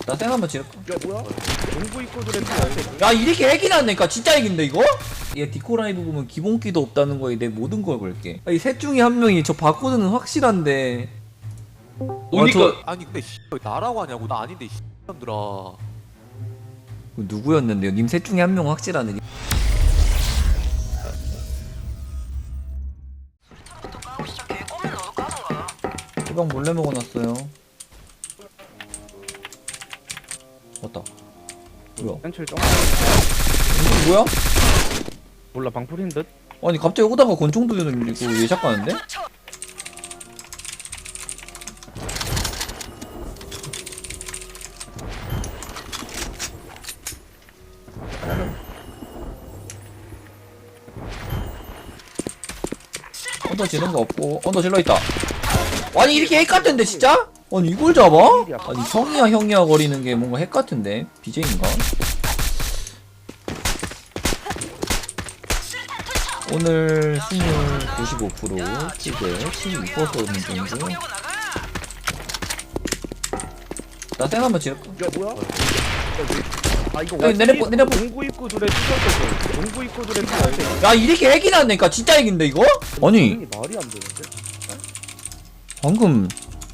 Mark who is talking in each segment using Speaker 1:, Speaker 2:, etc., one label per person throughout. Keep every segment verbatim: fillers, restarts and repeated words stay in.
Speaker 1: 나 쌩 한번 지를까?
Speaker 2: 야 뭐야? 농구 입고 들었지.
Speaker 1: 야 이렇게 핵이 났네니까 진짜 핵인데 이거? 얘 디코 라이브 보면 기본기도 없다는 거에 내 모든 걸 걸게. 이 셋 중에 한 명이 저 바코드는 확실한데.
Speaker 3: 그러니까
Speaker 1: 저-
Speaker 3: 아니 근데 씨, 왜 나라고 하냐고. 나 아닌데 씨들아.
Speaker 1: 누구였는데요? 님 셋 중에 한 명 확실하네. 소방 몰래 먹어놨어요. 왔다. 뭐야?
Speaker 2: 현철 정.
Speaker 1: 이거 뭐야?
Speaker 2: 몰라 방풀인 듯.
Speaker 1: 아니 갑자기 오다가 권총도 들리고 예샷 가는데? 언더 지는 거 없고 언더 질러 있다. 아니 이렇게 핵 같은데 진짜? 아니 이걸 잡아? 아니 형이야 형이야 거리는 게 뭔가 핵 같은데 비제이인가? 오늘 승률 구십오 퍼센트 킬대 십이 퍼센트 있는 중. 나 쌩 한번 지를까?
Speaker 2: 야 뭐야? 아 이거
Speaker 1: 여기 내려보- 내려보-
Speaker 2: 농구 입고 들에 찢었어. 농구 입고 들에 찢었어.
Speaker 1: 야 이렇게 핵이 났네니까 진짜 핵인데 이거? 아니
Speaker 2: 말이 안 되는데.
Speaker 1: 방금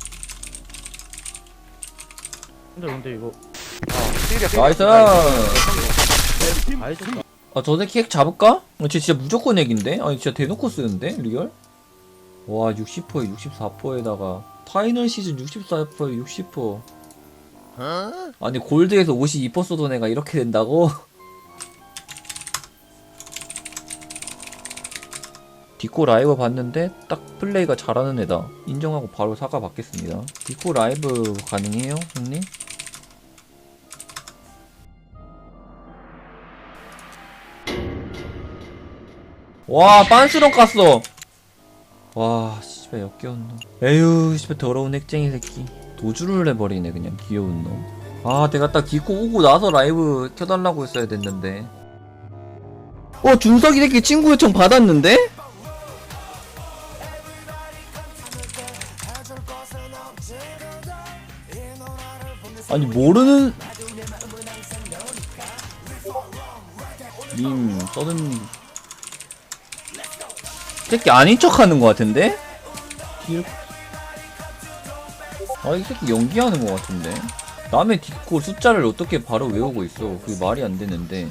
Speaker 2: 근데 근데 이거
Speaker 1: 나이스.
Speaker 2: 알겠
Speaker 1: 아 저 새끼 핵 잡을까? 어, 쟤 진짜 무조건 핵인데? 아니 진짜 대놓고 쓰는데? 리얼? 와 육십 퍼센트 육십사 퍼센트에다가 파이널 시즌 육십사 퍼센트 육십 퍼센트 아니 골드에서 오십이 퍼센트 쏘던 애가 이렇게 된다고? 디코 라이브 봤는데 딱 플레이가 잘하는 애다 인정하고 바로 사과 받겠습니다. 디코 라이브 가능해요 형님? 와 빤스런 깠어. 와 씨발 역겨운 놈. 에휴 씨발 더러운 핵쟁이 새끼. 도주를 해버리네 그냥 귀여운 놈. 아 내가 딱 디코 오고 나서 라이브 켜달라고 했어야 됐는데. 어 준석이 새끼 친구 요청 받았는데? 아니 모르는 님 써든 새끼 아닌 척 하는 것 같은데? 아, 이 새끼 연기하는 것 같은데? 남의 디코 숫자를 어떻게 바로 외우고 있어. 그게 말이 안 되는데.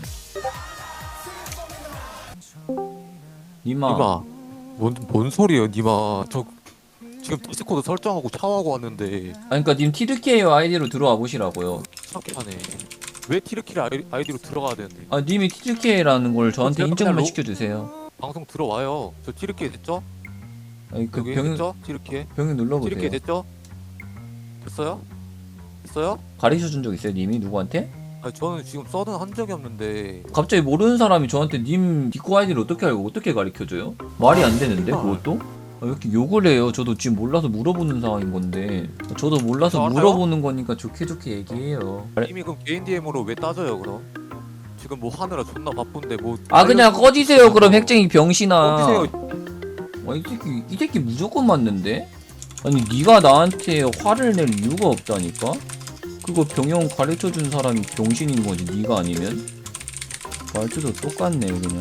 Speaker 1: 니마.
Speaker 3: 니마 뭔, 뭔 소리예요 니마. 저 지금 디스코드 설정하고 샤워하고 왔는데
Speaker 1: 아니, 그니까 님 티드케이어 아이디로 들어와 보시라고요.
Speaker 3: 착하네. 왜 티르키를 아이, 아이디로 들어가야 되는데.
Speaker 1: 아, 님이 티드케이라는 걸 저한테
Speaker 3: 제가
Speaker 1: 인정만
Speaker 3: 그냥 로-
Speaker 1: 시켜주세요.
Speaker 3: 방송 들어와요. 저 티르키 됐죠?
Speaker 1: 아니, 그
Speaker 3: 여기
Speaker 1: 병,
Speaker 3: 됐죠? 티르키
Speaker 1: 병에
Speaker 3: 티르키
Speaker 1: 눌러보세요.
Speaker 3: 됐죠? 됐어요? 됐어요?
Speaker 1: 가르쳐 준 적 있어요, 님이 누구한테?
Speaker 3: 아니 저는 지금 써든 한 적이 없는데.
Speaker 1: 갑자기 모르는 사람이 저한테 님 디코 아이디를 어떻게 알고 어떻게 가르쳐줘요? 말이 안 되는데, 그것도? 아, 왜 이렇게 욕을 해요? 저도 지금 몰라서 물어보는 상황인 건데. 저도 몰라서
Speaker 3: 알아요?
Speaker 1: 물어보는 거니까 좋게 좋게 얘기해요.
Speaker 3: 이미 그럼 개인 디엠으로 왜 따져요 그럼? 지금 뭐 하느라 존나 바쁜데 뭐.
Speaker 1: 아 그냥 꺼지세요 그럼 핵쟁이 병신아.
Speaker 3: 꺼지세요.
Speaker 1: 아, 이 새끼 이 새끼 무조건 맞는데? 아니 네가 나한테 화를 낼 이유가 없다니까? 그거 병영 가르쳐준 사람이 병신인 거지 네가 아니면? 말투도 똑같네 그냥.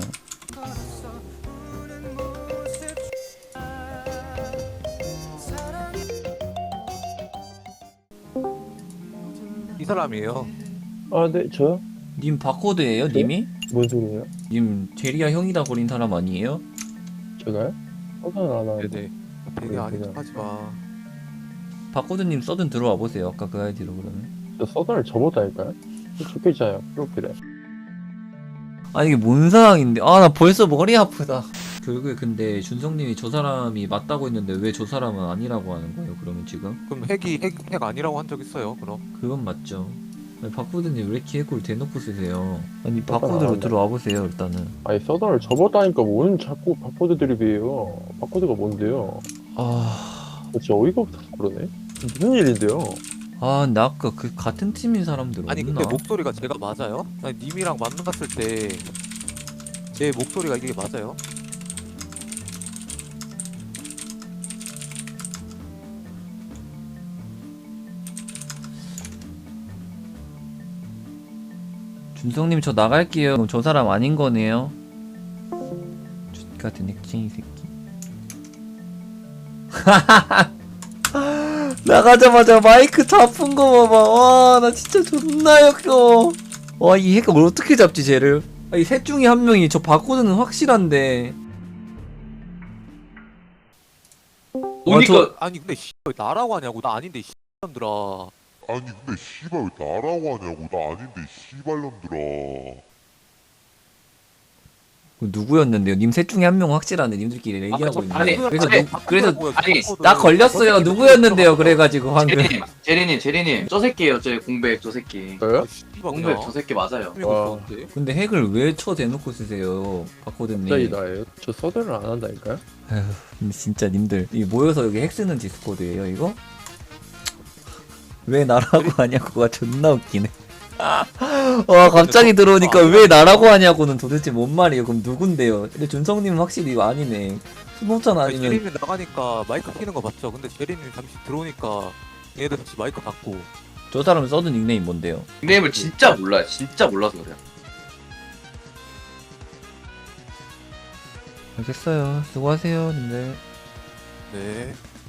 Speaker 3: 이 사람이에요.
Speaker 2: 아 네 저요?
Speaker 1: 님 바코드예요
Speaker 2: 네?
Speaker 1: 님이?
Speaker 2: 뭔 소리예요?
Speaker 1: 님 제리아 형이다 거린 사람 아니에요?
Speaker 2: 제가요? 허가는 안 하는데.
Speaker 3: 네네. 되게
Speaker 2: 네,
Speaker 3: 아닌
Speaker 2: 그냥.
Speaker 3: 척하지 마.
Speaker 1: 바코드님 써든 들어와 보세요 아까 그 아이디로 그러면.
Speaker 2: 저 서든을 접었다니까요? 좋겠잖아요 프로필에.
Speaker 1: 아니 이게 뭔 상황인데 아 나 벌써 머리 아프다. 결국에 근데 준성님이 저 사람이 맞다고 했는데 왜 저 사람은 아니라고 하는 거예요 그러면 지금?
Speaker 3: 그럼 핵이 핵, 핵 아니라고 한 적 있어요 그럼?
Speaker 1: 그건 맞죠. 아니 바코드님 왜 이렇게 해골 대놓고 쓰세요? 아니
Speaker 2: 똑바로
Speaker 1: 바코드로
Speaker 2: 나간다.
Speaker 1: 들어와 보세요 일단은.
Speaker 2: 아니 서든을 접었다니까 뭔 자꾸 바코드 드립이에요. 바코드가 뭔데요?
Speaker 1: 아...
Speaker 2: 진짜 어이가 없어서 그러네. 무슨 일인데요?
Speaker 1: 아 근데 아까 그 같은 팀인 사람들 없나?
Speaker 3: 아니 근데 목소리가 제가 맞아요? 아니 님이랑 만났을 때 제 목소리가 이게 맞아요?
Speaker 1: 준성님 저 나갈게요. 그럼 저 사람 아닌 거네요. X 같은 핵쟁이 새끼. 나가자마자 마이크 잡은 거 봐봐. 와, 나 진짜 존나 역겨워. 와, 이 핵을 어떻게 잡지, 쟤를? 아, 이 셋 중에 한 명이 저 바코드는 확실한데. 와, 저,
Speaker 3: 아니 근데 씨, 왜 나라고 하냐고. 나 아닌데 씨놈들아.
Speaker 4: 아니 근데 씨발 왜 나라고 하냐고. 나 아닌데 씨발놈들아.
Speaker 1: 누구였는데요? 님 셋 중에 한 명 확실한데 님들끼리 얘기하고 있는데.
Speaker 5: 아니,
Speaker 1: 그래서
Speaker 5: 아니,
Speaker 1: 누, 그래서
Speaker 5: 아니,
Speaker 1: 나 걸렸어요. 누구였는데요? 그래가지고 방금.
Speaker 5: 제리님, 제리님, 제리님, 저 새끼예요, 저 공백 저 새끼.
Speaker 2: 저요?
Speaker 5: 공백 저 새끼 맞아요.
Speaker 2: 와.
Speaker 1: 근데 핵을 왜 쳐 대놓고 쓰세요, 바코드님?
Speaker 2: 갑자기 나예요? 저 서든을 안 한다니까요?
Speaker 1: 아휴, 근데 진짜 님들 이 모여서 여기 핵 쓰는 디스코드예요, 이거? 왜 나라고 하냐고가 존나 웃기네. 와, 갑자기 들어오니까 왜 나라고 하냐고는 도대체 뭔 말이에요? 그럼 누군데요? 근데 준성님은 확실히 이거 아니네. 수노찬
Speaker 3: 아니,
Speaker 1: 아니면
Speaker 3: 제리님 나가니까 마이크 켜는 거 맞죠? 근데 제리님 잠시 들어오니까 얘들 같이 마이크 닫고.
Speaker 1: 저 사람 써둔 닉네임 뭔데요?
Speaker 5: 닉네임을 진짜 몰라요. 진짜 몰라서 그래요.
Speaker 1: 알겠어요. 수고하세요, 님들.
Speaker 3: 네.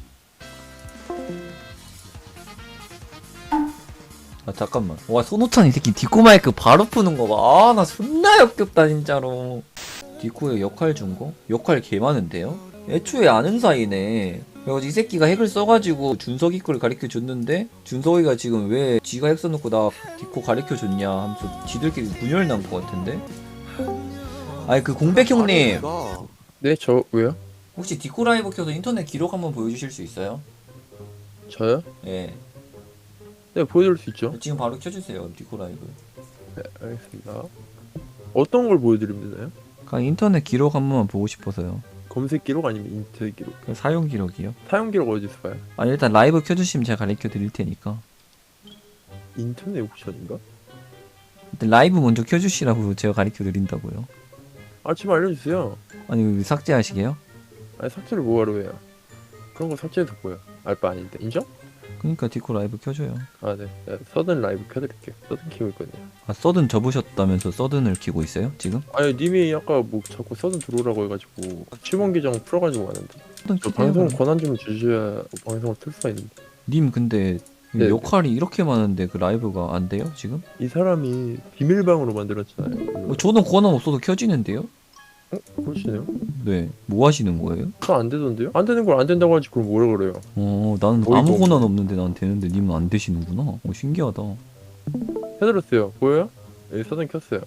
Speaker 1: 아, 잠깐만. 와, 손호찬 이 새끼 디코 마이크 바로 푸는 거 봐. 아, 나 존나 역겹다, 진짜로. 디코의 역할 준 거? 역할 개 많은데요? 애초에 아는 사이네. 그래가지고 이 새끼가 핵을 써가지고 준석이 걸 가르쳐 줬는데, 준석이가 지금 왜 지가 핵 써놓고 나 디코 가르쳐 줬냐 하면서 지들끼리 분열 난 거 같은데? 아니, 그 공백 형님.
Speaker 3: 아니,
Speaker 2: 네, 저 왜요?
Speaker 1: 혹시 디코 라이브 켜서 인터넷 기록 한번 보여주실 수 있어요?
Speaker 2: 저요?
Speaker 1: 예.
Speaker 2: 네, 보여드릴 수 있죠.
Speaker 1: 지금 바로 켜주세요, 디코 라이브.
Speaker 2: 네, 알겠습니다. 어떤 걸 보여드리면 되나요?
Speaker 1: 그냥 인터넷 기록 한 번만 보고 싶어서요.
Speaker 2: 검색 기록 아니면 인터넷 기록?
Speaker 1: 그 사용 기록이요?
Speaker 2: 사용 기록 어디서 봐요?
Speaker 1: 아니, 일단 라이브 켜주시면 제가 가르쳐 드릴 테니까.
Speaker 2: 인터넷 옵션인가?
Speaker 1: 일단 라이브 먼저 켜주시라고 제가 가르쳐 드린다고요.
Speaker 2: 아, 좀 알려주세요.
Speaker 1: 아니, 왜 삭제하시게요?
Speaker 2: 아니, 삭제를 뭐하러 해요? 그런 거 삭제해도 보여. 알바 아닌데. 인정?
Speaker 1: 그니까 디코 라이브 켜줘요.
Speaker 2: 아, 네. 네, 서든 라이브 켜드릴게요. 서든 키고 있거든요.
Speaker 1: 아, 서든 접으셨다면서 서든을 키고 있어요? 지금?
Speaker 2: 아니, 님이 아까 뭐 자꾸 서든 들어오라고 해가지고 칠번 계정 풀어가지고 왔는데.
Speaker 1: 서든
Speaker 2: 저
Speaker 1: 키세요,
Speaker 2: 방송
Speaker 1: 그럼.
Speaker 2: 권한 좀 주셔야 방송을 틀 수가 있는데.
Speaker 1: 님 근데
Speaker 2: 네.
Speaker 1: 역할이 이렇게 많은데 그 라이브가 안 돼요? 지금?
Speaker 2: 이 사람이 비밀방으로 만들었잖아요.
Speaker 1: 어, 저는 권한 없어도 켜지는데요?
Speaker 2: 어? 그러시네요?
Speaker 1: 네. 뭐 하시는 거예요?
Speaker 2: 저 안 되던데요? 안 되는 걸 안 된다고 하지 그럼 뭐라 그래요?
Speaker 1: 어, 나는
Speaker 2: 어이가
Speaker 1: 아무 권한
Speaker 2: 없네.
Speaker 1: 없는데 난 되는데 님은 안 되시는구나. 어, 신기하다.
Speaker 2: 해드렸어요. 보여요? 여기 서든 켰어요.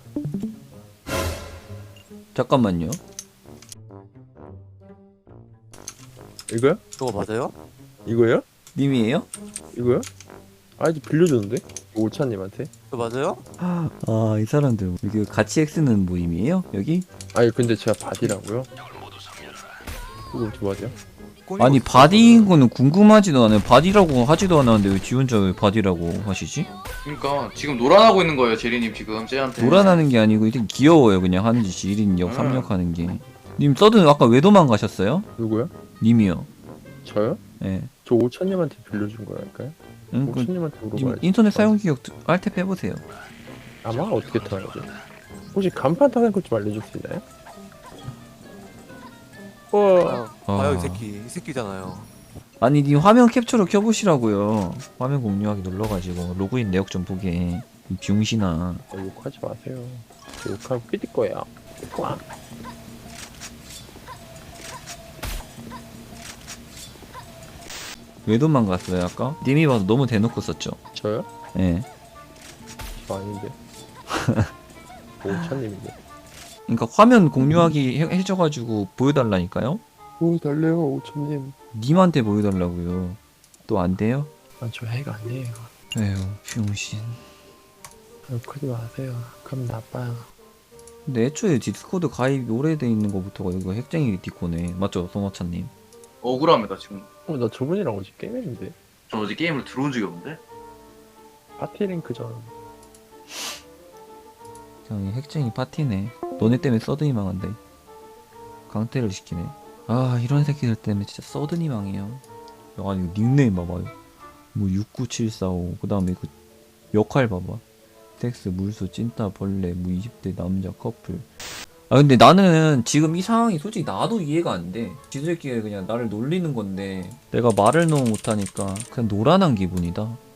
Speaker 1: 잠깐만요.
Speaker 2: 이거요?
Speaker 3: 저거 맞아요?
Speaker 2: 이거요?
Speaker 1: 님이에요?
Speaker 2: 이거요? 아이디 빌려줬는데? 오차님한테?
Speaker 3: 저 맞아요?
Speaker 1: 아, 이 사람들 여기 같이 핵쓰는 모임이에요? 여기?
Speaker 2: 아니 근데 제가 바디라고요? 그거 어떻게 바디야?
Speaker 1: 아니 바디인 거는 궁금하지도 않아요. 바디라고 하지도 않았는데 왜 지 혼자 왜 바디라고 하시지?
Speaker 5: 그러니까 지금 노란하고 있는 거예요, 제리님 지금 쟤한테.
Speaker 1: 노란하는 게 아니고 이게 귀여워요. 그냥 하는 짓이 일 인역
Speaker 5: 음.
Speaker 1: 삼 역 하는 게. 님 서든 아까 왜 도망가셨어요?
Speaker 2: 누구요?
Speaker 1: 님이요.
Speaker 2: 저요?
Speaker 1: 예.
Speaker 2: 저 오차님한테 빌려준 거랄까요?
Speaker 1: 응, 그,
Speaker 2: 오차님한테
Speaker 1: 님
Speaker 2: 물어봐야지.
Speaker 1: 인터넷 사용 기록 알탭 해보세요.
Speaker 2: 아마 어떻게 타야죠? 혹시 간판 타는 것 좀 알려줄 수 있나요? 와,
Speaker 3: 아, 봐요
Speaker 1: 아.
Speaker 3: 이 새끼. 이 새끼잖아요.
Speaker 1: 아니 님 화면 캡처로 켜보시라고요. 화면 공유하기 눌러가지고 로그인 내역 좀 보게. 이 병신아.
Speaker 2: 욕하지 마세요. 저 욕하면 삐질 거예요. 꽝.
Speaker 1: 왜 도망갔어요 아까? 님이 봐도 너무 대놓고 썼죠.
Speaker 2: 저요?
Speaker 1: 예.
Speaker 2: 저 아닌데. 오차님인데.
Speaker 1: 그러니까 화면 공유하기 해- 해줘가지고 보여달라니까요.
Speaker 2: 오 달래요 오차님.
Speaker 1: 님한테 보여달라고요. 또 안 돼요?
Speaker 2: 아 저 해가 아니에요.
Speaker 1: 에휴 병신.
Speaker 2: 욕하지 마세요. 그럼 나빠요.
Speaker 1: 근데 애초에 디스코드 가입이 오래돼 있는 거부터가 이거 핵쟁이 디코네. 맞죠 송화찬님?
Speaker 5: 억울합니다 지금.
Speaker 2: 어 나 저분이랑 어제 게임했는데.
Speaker 5: 저 어제 게임을 들어온 적이 없는데.
Speaker 2: 파티 링크전.
Speaker 1: 그냥 핵쟁이 파티네. 너네 때문에 서든이 망한다. 강퇴를 시키네. 아 이런 새끼들 때문에 진짜 서든이 망해요. 아니 닉네임 봐봐요. 뭐 육구칠사오 그 다음에 그 역할 봐봐. 스택스 물소 찐따 벌레 무 이십 대 남자 커플. 아 근데 나는 지금 이 상황이 솔직히 나도 이해가 안 돼. 지들끼리 그냥 나를 놀리는 건데 내가 말을 너무 못하니까 그냥 노란한 기분이다.